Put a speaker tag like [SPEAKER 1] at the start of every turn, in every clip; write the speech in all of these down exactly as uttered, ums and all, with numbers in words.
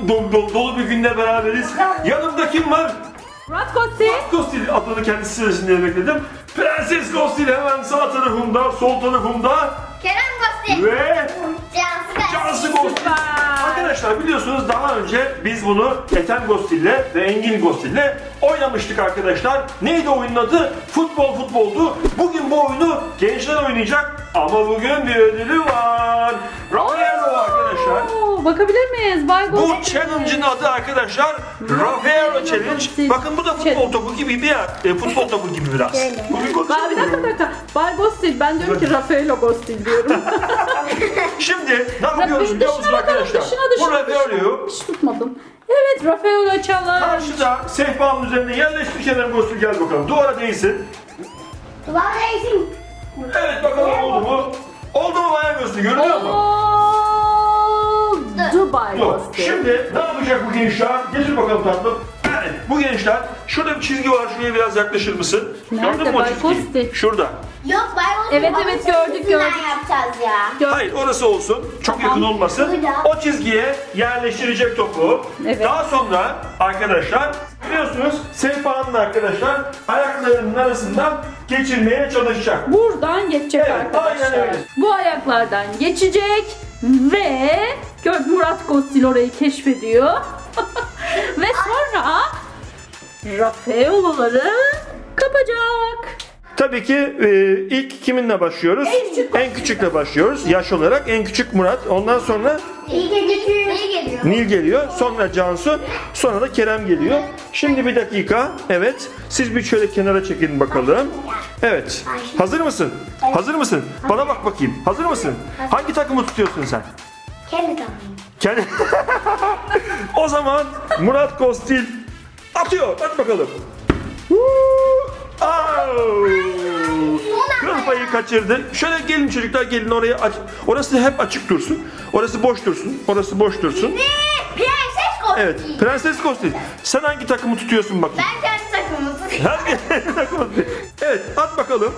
[SPEAKER 1] dolu, dolu, dolu bir günde beraberiz. Yanımda kim var?
[SPEAKER 2] Murat Kostil.
[SPEAKER 1] Murat Kostil adını kendisi sırasında bekledim. Prenses Kostil hemen sağ tarafımda, sol tarafımda
[SPEAKER 3] Kerem Kostil.
[SPEAKER 1] ve
[SPEAKER 3] Cansu
[SPEAKER 1] Cansu
[SPEAKER 3] Kostil.
[SPEAKER 1] Kostil. Arkadaşlar biliyorsunuz daha önce biz bunu Ethem Kostil'le ve Engin Kostil'le oynamıştık arkadaşlar. Neydi oyunun adı? Futbol futboldu. Bugün bu oyunu gençler oynayacak ama bugün bir ödülü var. Rafaelo arkadaşlar.
[SPEAKER 2] Oo, bakabilir miyiz? Bay
[SPEAKER 1] Bu
[SPEAKER 2] Kostil.
[SPEAKER 1] challenge'ın adı arkadaşlar Rafaelo Challenge. Bakın bu da futbol topu gibi bir yer. E, futbol topu gibi biraz. Bugün
[SPEAKER 2] Bay, bir dakika bir dakika. Bay Kostil. Ben diyorum ki Rafaelo Kostil diyorum.
[SPEAKER 1] Şimdi ne yapıyoruz
[SPEAKER 2] Rafael
[SPEAKER 1] biliyor
[SPEAKER 2] dışına
[SPEAKER 1] musunuz
[SPEAKER 2] bakalım,
[SPEAKER 1] arkadaşlar?
[SPEAKER 2] dışına,
[SPEAKER 1] Bu
[SPEAKER 2] dışına,
[SPEAKER 1] Rafaelo'yu
[SPEAKER 2] Hiç tutmadım. Evet, Rafaelo Challenge.
[SPEAKER 1] karşıda sehpanın üzerine yerleştir Kerem Kostil, gel bakalım. Duvara değsin.
[SPEAKER 3] Duvar reisim.
[SPEAKER 1] Evet bakalım oldu mu? Oldu mu Bayan Kostil, görünüyor mu?
[SPEAKER 2] Oldu Bay
[SPEAKER 1] Yok.
[SPEAKER 2] Kostil.
[SPEAKER 1] Şimdi ne yapacak bu gençler? Getir bakalım tatlım. Evet, bu gençler, şurada bir çizgi var, şuraya biraz yaklaşır mısın?
[SPEAKER 2] Nerede
[SPEAKER 1] Gördün mü o
[SPEAKER 2] Bay
[SPEAKER 1] çizgiyi?
[SPEAKER 2] Kostil?
[SPEAKER 1] Şurada.
[SPEAKER 3] Yok Bay Kostil.
[SPEAKER 2] Evet, evet, gördük, gördük.
[SPEAKER 3] yapacağız ya.
[SPEAKER 2] Gör-
[SPEAKER 1] Hayır, orası olsun. Çok
[SPEAKER 2] Tamam.
[SPEAKER 1] yakın olmasın.
[SPEAKER 3] Burada.
[SPEAKER 1] O çizgiye yerleştirecek topu.
[SPEAKER 2] Evet.
[SPEAKER 1] Daha sonra arkadaşlar biliyorsunuz sehpanın arkadaşlar ayaklarının arasından geçirmeye çalışacak.
[SPEAKER 2] Buradan geçecek
[SPEAKER 1] Evet,
[SPEAKER 2] arkadaşlar.
[SPEAKER 1] aynen öyle.
[SPEAKER 2] Bu ayaklardan geçecek ve gör Murat Kostil orayı keşfediyor. Ve sonra Rafaelo'ları kapacak.
[SPEAKER 1] Tabii ki e, ilk kiminle başlıyoruz?
[SPEAKER 2] En küçük
[SPEAKER 1] En küçükle başlıyoruz. Yaş olarak en küçük Murat. Ondan sonra
[SPEAKER 3] İyi geliyor. İyi geliyor.
[SPEAKER 1] Nil geliyor. Sonra Cansu. Sonra da Kerem geliyor. Şimdi bir dakika. Evet. Siz bir şöyle kenara çekin bakalım. Evet. Hazır mısın? Hazır mısın? Bana bak bakayım. Hazır mısın? Hangi takımı tutuyorsun sen?
[SPEAKER 3] Kendi takımım.
[SPEAKER 1] Kendi... O zaman Murat Kostil atıyor. Hadi bakalım. Kıl payı kaçırdı. Şöyle gelin çocuklar, gelin oraya aç. Orası hep açık dursun. Orası boş dursun. Orası boş dursun.
[SPEAKER 3] Prenses Kostil.
[SPEAKER 1] Evet. Prenses Kostil. Sen hangi takımı tutuyorsun bakayım?
[SPEAKER 3] Ben kendi takımımı tutuyorum.
[SPEAKER 1] Hangi takımı? Evet, at bakalım.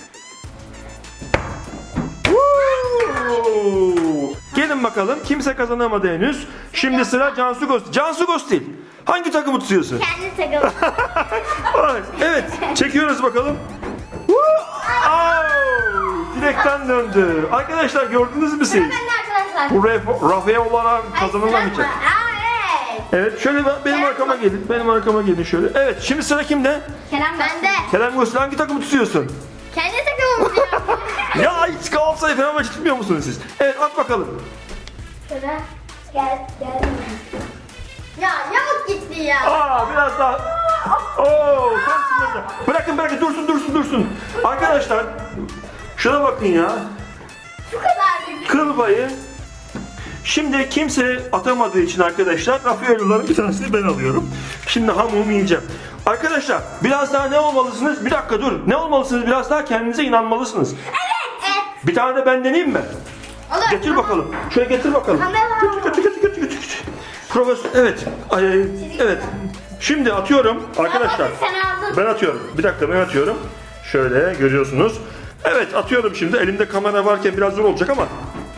[SPEAKER 1] Gelin bakalım. Kimse kazanamadı henüz. Şimdi sıra Cansu Kostil. Cansu Kostil. Hangi takımı tutuyorsun?
[SPEAKER 3] Kendi takımım.
[SPEAKER 1] Evet. Çekiyoruz bakalım. Au! Direkten döndü. Arkadaşlar gördünüz mü siz?
[SPEAKER 3] Ben de arkadaşlar.
[SPEAKER 1] Bu Raf- Rafaelo'lara kazanılamayacak.
[SPEAKER 3] Aa evet.
[SPEAKER 1] Evet, şöyle ben- benim arkama gelin. Benim arkama gelin şöyle. Evet, şimdi sıra kimde?
[SPEAKER 3] Kerem bende.
[SPEAKER 1] Kerem Kostil, hangi takımı tutuyorsun?
[SPEAKER 3] Kendi takımımı tutuyorum.
[SPEAKER 1] Ya hiç Galatasaray Fenerbahçe tutmuyor musunuz siz? Evet, at bakalım.
[SPEAKER 3] Şurada. Gel gel. Ya yamuk gitti ya.
[SPEAKER 1] Aa, biraz daha. Oo, tam sınırda. Bırakın bırakın, dursun dursun dursun. Arkadaşlar, şuna bakın ya.
[SPEAKER 3] Şu kadarcık.
[SPEAKER 1] Kıl payı. Şimdi kimse atamadığı için arkadaşlar Rafaelo'ların bir tanesini ben alıyorum. Şimdi hamumu yiyeceğim. Arkadaşlar biraz daha ne olmalısınız? Bir dakika dur. Ne olmalısınız? Biraz daha kendinize inanmalısınız.
[SPEAKER 3] Evet. Evet.
[SPEAKER 1] Bir tane de ben deneyeyim mi?
[SPEAKER 3] Olur.
[SPEAKER 1] Getir bakalım. Şöyle getir bakalım.
[SPEAKER 3] Kamera.
[SPEAKER 1] Getir getir getir getir. getir. Profesör, evet. Ay, evet. Şimdi atıyorum arkadaşlar.
[SPEAKER 3] Sen aldın.
[SPEAKER 1] Ben atıyorum. Bir dakika, ben atıyorum. Şöyle görüyorsunuz. Evet, atıyorum şimdi. Elimde kamera varken biraz zor olacak ama.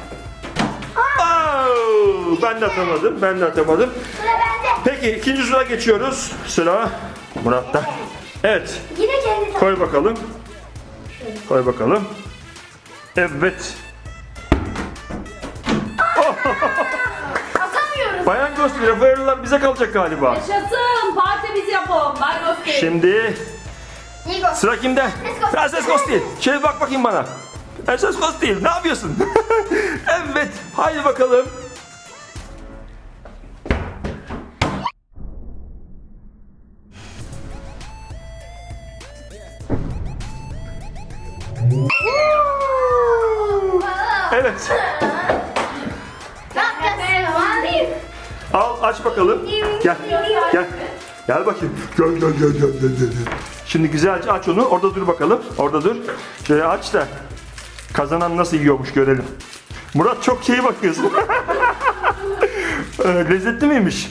[SPEAKER 1] Au! Ben de atamadım. Ben de atamadım.
[SPEAKER 3] Sıra bende.
[SPEAKER 1] Peki ikinci sıra geçiyoruz. Sıra Murat'ta. Evet.
[SPEAKER 3] Yine kendi takımım.
[SPEAKER 1] Koy bakalım. Koy bakalım. Evet.
[SPEAKER 3] Atamıyoruz.
[SPEAKER 1] Bayan Kostil, Rafaelo'lar bize kalacak galiba.
[SPEAKER 2] Yaşasın. Parti biz yapalım. Bay Kostil.
[SPEAKER 1] Şimdi
[SPEAKER 3] İyi gol.
[SPEAKER 1] sıra kimde?
[SPEAKER 3] Kostil.
[SPEAKER 1] Prenses Kostil. Şöyle bak bakayım bana. Prenses Kostil, ne yapıyorsun? Evet, haydi bakalım. Evet.
[SPEAKER 3] Ne yapacağız? Mavi.
[SPEAKER 1] Al, aç bakalım. Gel. Gel. Gel bakayım. Gel gel gel gel gel gel. Şimdi güzelce aç onu. Orada dur bakalım. Orada dur. Şöyle aç da kazanan nasıl yiyormuş görelim. Murat, çok iyi bakıyorsun. Ee, Lezzetli miymiş?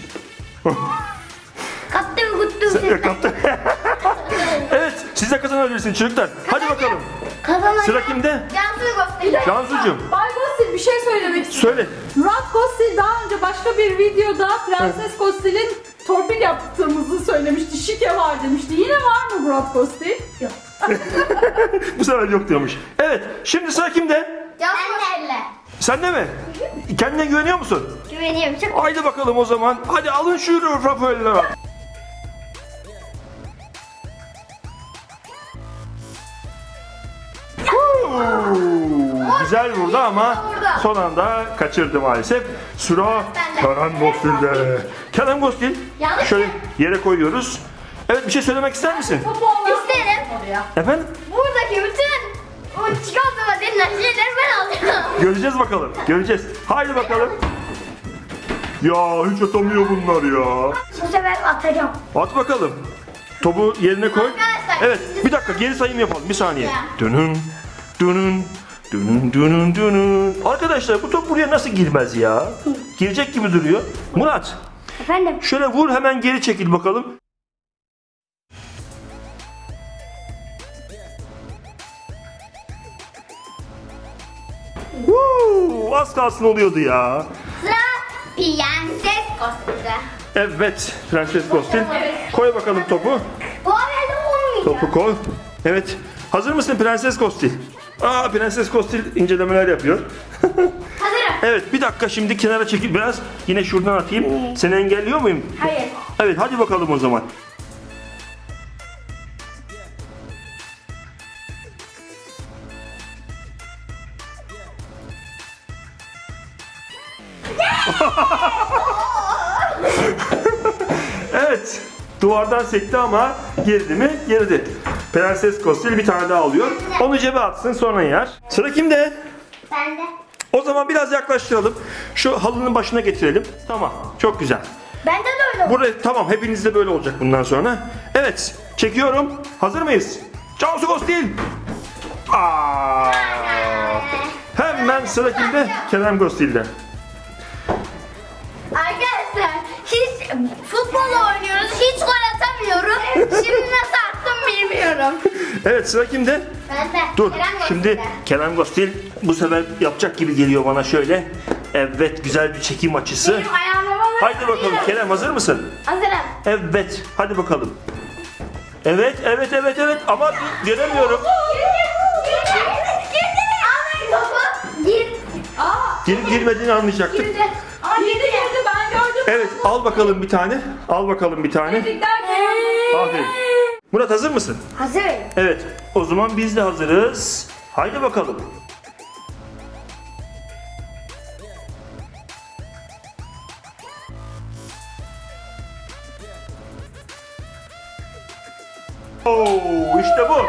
[SPEAKER 3] Kattım guttum.
[SPEAKER 1] Kaptı. Evet, siz de kazanabilirsiniz çocuklar. Hadi bakalım.
[SPEAKER 3] Kazanayım.
[SPEAKER 1] Sıra kimde?
[SPEAKER 3] Cansu'yu göstereyim.
[SPEAKER 1] Cansucuğum.
[SPEAKER 2] Bay Kostil bir şey söylemek istiyorum.
[SPEAKER 1] Söyle.
[SPEAKER 2] Murat Kostil daha önce başka bir videoda Prenses Kostil'in torpil yaptığımızı söylemişti. Şike var demişti. Yine var mı Murat Kostil? Yok.
[SPEAKER 1] Bu sefer yok diyormuş. Evet. Şimdi sıra kimde?
[SPEAKER 3] Cansu elle.
[SPEAKER 1] Sen de mi? Kendine güveniyor musun?
[SPEAKER 3] Güveniyorum çok.
[SPEAKER 1] Haydi bakalım o zaman. Hadi alın şu Rafael'leri. Güzel vurdu ama son anda kaçırdı maalesef. Sıra Kerem Gostil'de. Kerem Gostil.
[SPEAKER 3] Yanlış
[SPEAKER 1] Şöyle
[SPEAKER 3] mı?
[SPEAKER 1] yere koyuyoruz. Evet, bir şey söylemek ister misin?
[SPEAKER 2] Topu olan
[SPEAKER 3] İsterim.
[SPEAKER 2] oraya.
[SPEAKER 1] Efendim?
[SPEAKER 3] Buradaki bütün o çikolata denilen şeyleri ben alacağım.
[SPEAKER 1] Göreceğiz bakalım. Göreceğiz. Haydi bakalım. Ya hiç atamıyor bunlar ya.
[SPEAKER 3] Bu sefer atacağım.
[SPEAKER 1] At bakalım. Topu yerine koy.
[SPEAKER 3] Arkadaşlar,
[SPEAKER 1] Evet, bir dakika geri sayım yapalım. Bir saniye. Dönün, dönün, dönün, dönün, dönün. Arkadaşlar bu top buraya nasıl girmez ya? Girecek gibi duruyor. Murat,
[SPEAKER 3] Efendim?
[SPEAKER 1] şöyle vur, hemen geri çekil bakalım. Woo, az kalsın oluyordu ya.
[SPEAKER 3] Sıra Prenses Kostil'de.
[SPEAKER 1] Evet, Prenses Kostil. Koy bakalım topu.
[SPEAKER 3] Bu arada olmayacak.
[SPEAKER 1] Topu koy. Evet. Hazır mısın Prenses Kostil? Aa, Prenses Kostil incelemeler yapıyor.
[SPEAKER 3] Hazırım.
[SPEAKER 1] Evet, bir dakika şimdi kenara çekil biraz. Yine şuradan atayım. Seni engelliyor muyum?
[SPEAKER 3] Hayır.
[SPEAKER 1] Evet, hadi bakalım o zaman. Evet, duvardan sekti ama girdi mi? Girdi. Prenses Kostil bir tane daha alıyor. Onu cebe atsın, sonra yer. Sıra kimde?
[SPEAKER 3] Ben de.
[SPEAKER 1] O zaman biraz yaklaştıralım. Şu halının başına getirelim. Tamam, çok güzel.
[SPEAKER 3] Bende de öyle oldu.
[SPEAKER 1] Buraya tamam, hepinizde böyle olacak bundan sonra. Evet, çekiyorum. Hazır mıyız? Cansu Kostil. Aa! Hemen sıra kimde? Kerem Kostil'de.
[SPEAKER 3] Arkadaşlar hiç futbol oynuyoruz. Hiç gol atamıyorum. Şimdi nasıl attım bilmiyorum.
[SPEAKER 1] Evet, sıra kimde?
[SPEAKER 3] Ben de.
[SPEAKER 1] Dur,
[SPEAKER 3] Kerem
[SPEAKER 1] şimdi
[SPEAKER 3] Kostil'de.
[SPEAKER 1] Kerem Kostil bu sefer yapacak gibi geliyor bana şöyle. Evet, güzel bir çekim açısı.
[SPEAKER 3] Benim ayağıma
[SPEAKER 1] Haydi bakalım Kerem, hazır mısın?
[SPEAKER 3] Hazırım.
[SPEAKER 1] Evet, hadi bakalım. Evet, evet, evet, evet ama göremiyorum.
[SPEAKER 3] Girdi. Girdi. Almayın topu. Gir.
[SPEAKER 2] Aa,
[SPEAKER 1] Girip girmediğini anlayacaktık.
[SPEAKER 3] Girdi. Ama
[SPEAKER 2] girdi
[SPEAKER 3] girdi.
[SPEAKER 2] girdi ben gördüm.
[SPEAKER 1] Evet, al bakalım bir tane. Al bakalım bir tane.
[SPEAKER 2] Tebrikler Kerem.
[SPEAKER 1] Aferin. Murat, hazır mısın?
[SPEAKER 3] Hazırım.
[SPEAKER 1] Evet, o zaman biz de hazırız. Haydi bakalım. Oo, işte bu.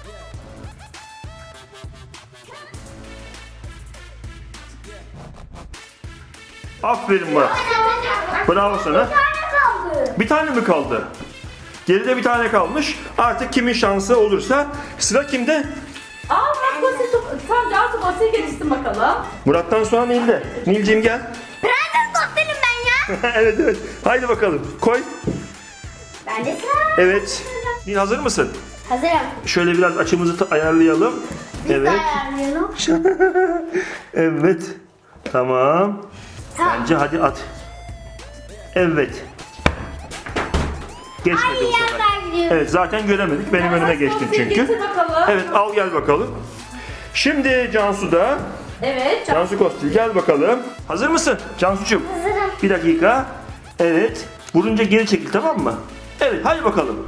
[SPEAKER 1] Aferin Murat. Bravo sana.
[SPEAKER 3] Bir tane kaldı.
[SPEAKER 1] Bir tane mi kaldı? Geride bir tane kalmış. Artık kimin şansı olursa. Sıra kimde?
[SPEAKER 2] Aa Murat Kostil top... Tamam Cansu Kostil gelişsin bakalım.
[SPEAKER 1] Murat'tan sonra Nil'de. Nil'cim gel.
[SPEAKER 3] Prenses Kostil'im ben ya.
[SPEAKER 1] Evet evet. Haydi bakalım. Koy.
[SPEAKER 3] Ben de sıra.
[SPEAKER 1] Evet. Nil, hazır mısın?
[SPEAKER 3] Hazırım.
[SPEAKER 1] Şöyle biraz açımızı ta- ayarlayalım.
[SPEAKER 3] Biz de
[SPEAKER 1] Evet.
[SPEAKER 3] ayarlayalım.
[SPEAKER 1] Evet. Tamam.
[SPEAKER 3] Tamam.
[SPEAKER 1] Bence hadi at. Evet. Geçmedi
[SPEAKER 3] Aynı
[SPEAKER 1] bu sefer.
[SPEAKER 3] yerden gidiyoruz.
[SPEAKER 1] Evet, zaten göremedik. Benim önüme
[SPEAKER 2] Prenses
[SPEAKER 1] geçtin
[SPEAKER 2] Kostil
[SPEAKER 1] çünkü.
[SPEAKER 2] Getir bakalım.
[SPEAKER 1] Evet, al gel bakalım. Şimdi Cansu da.
[SPEAKER 2] Evet. Can-
[SPEAKER 1] Cansu Kostil gel bakalım. Hazır mısın Cansu'cum?
[SPEAKER 3] Hazırım.
[SPEAKER 1] Bir dakika. Evet. Vurunca geri çekil, tamam mı? Evet, hadi bakalım.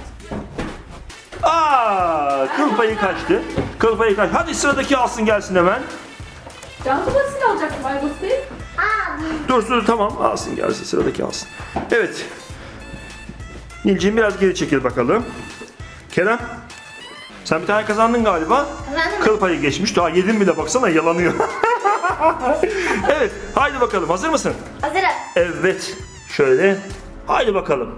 [SPEAKER 1] Aa, kıl payı kaçtı. Kıl payı kaçtı. Hadi sıradaki alsın gelsin hemen.
[SPEAKER 2] Cansu Kostil alacak Bay Kostil.
[SPEAKER 3] Aa,
[SPEAKER 1] Dur dur, tamam, alsın gelsin, sıradaki alsın. Evet. Nilciğim biraz geri çekil bakalım. Kerem. Sen bir tane kazandın galiba.
[SPEAKER 3] Kazandım.
[SPEAKER 1] Kıl payı geçmiş. Daha yedin bile, baksana yalanıyor. Evet. Haydi bakalım. Hazır mısın?
[SPEAKER 3] hazırım.
[SPEAKER 1] Evet. Şöyle. Haydi bakalım.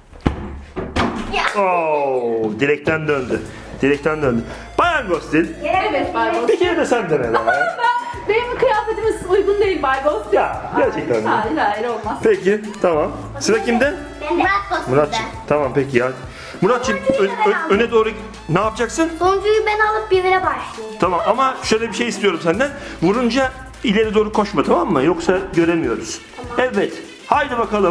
[SPEAKER 3] Ya.
[SPEAKER 1] Oo, direkten döndü. Direkten döndü. Bayan Gostil.
[SPEAKER 2] Evet Bay Kostil.
[SPEAKER 1] Bir kere de sen dene be.
[SPEAKER 2] Ben, benim kıyafetimiz uygun değil Bay Kostil.
[SPEAKER 1] Ya, gerçekten mi?
[SPEAKER 2] Hayır hayır olmaz.
[SPEAKER 1] Peki, tamam. Sıra kimde?
[SPEAKER 3] Ben de. Murat Kostil'de.
[SPEAKER 1] Muratçım. Tamam peki ya. Muratçım ö- ö- öne doğru ne yapacaksın?
[SPEAKER 3] Sonuncuyu ben alıp birine başlayayım.
[SPEAKER 1] Tamam ama şöyle bir şey istiyorum senden. Vurunca ileri doğru koşma, tamam mı? Yoksa göremiyoruz. Evet. Haydi bakalım.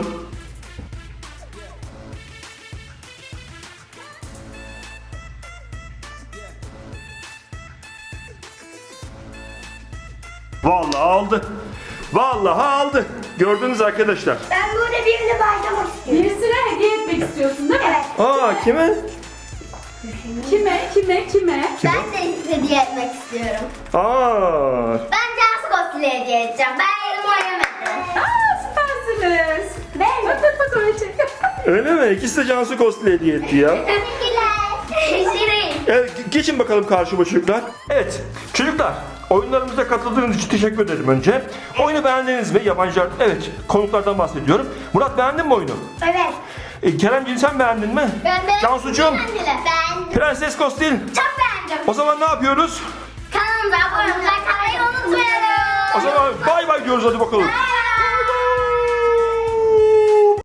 [SPEAKER 1] Vallahi aldı. Vallahi aldı. Gördünüz arkadaşlar.
[SPEAKER 3] Ben burada birine başlamak istiyorum.
[SPEAKER 2] Birisine hediye etmek istiyorsun değil mi?
[SPEAKER 3] Evet.
[SPEAKER 1] Aa, kime?
[SPEAKER 2] Kime, kime, kime?
[SPEAKER 3] Ben de hediye etmek istiyorum.
[SPEAKER 1] Aa.
[SPEAKER 3] Ben Cansu Ghost'u hediye edeceğim. Ben yerim oynamadım.
[SPEAKER 2] Aa, süpersiniz.
[SPEAKER 3] Ben
[SPEAKER 2] Bak bak bak öyle şey.
[SPEAKER 1] Öyle mi? İkisi de Cansu Cosplay hediye etti ya.
[SPEAKER 3] Teşekkürler. Şirin.
[SPEAKER 1] Evet, geçin bakalım karşıma çocuklar. Evet, çocuklar, oyunlarımıza katıldığınız için teşekkür ederim önce. Oyunu beğendiniz mi? Yabancılar, evet, konuklardan bahsediyorum. Murat, beğendin mi oyunu?
[SPEAKER 3] Evet.
[SPEAKER 1] E, Keremciğim, sen beğendin mi?
[SPEAKER 3] Ben de.
[SPEAKER 1] Cansucuğum,
[SPEAKER 3] Ben
[SPEAKER 1] Prenses Kostil.
[SPEAKER 3] çok beğendim.
[SPEAKER 1] O zaman ne yapıyoruz?
[SPEAKER 3] Kanalımıza abone olmayı unutmayalım.
[SPEAKER 1] O zaman bay bay diyoruz, hadi bakalım.
[SPEAKER 3] Bye.